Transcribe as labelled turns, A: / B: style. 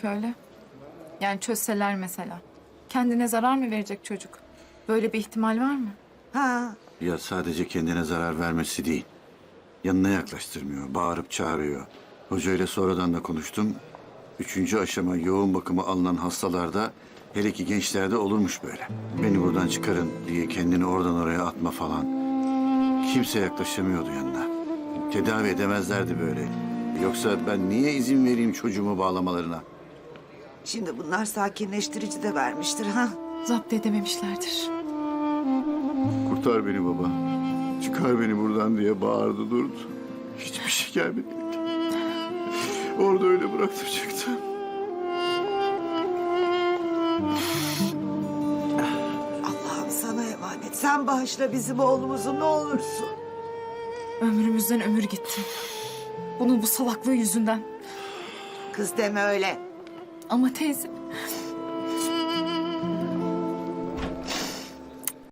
A: olacak öyle? Yani çözseler mesela. Kendine zarar mı verecek çocuk? Böyle bir ihtimal var mı?
B: Ha,
C: Ya sadece kendine zarar vermesi değil. Yanına yaklaştırmıyor, bağırıp çağırıyor. Hocayla sonradan da konuştum. 3. aşama yoğun bakıma alınan hastalarda, hele ki gençlerde olurmuş böyle. Beni buradan çıkarın diye kendini oradan oraya atma falan. Kimse yaklaşamıyordu yanına. Tedavi edemezlerdi böyle. Yoksa ben niye izin vereyim çocuğumu bağlamalarına?
B: şimdi bunlar sakinleştirici de vermiştir ha.
A: Zapt edememişlerdir.
C: Kurtar beni baba. Çıkar beni buradan diye bağırdı durdu. Hiçbir şey gelmedi. Orada öyle bıraktım çıktım.
B: Allah'ım sana emanet. Sen bağışla bizim oğlumuzu ne olursun.
A: Ömrümüzden ömür gitti. Bunun bu salaklığı yüzünden.
B: Kız deme öyle.
A: Ama teyze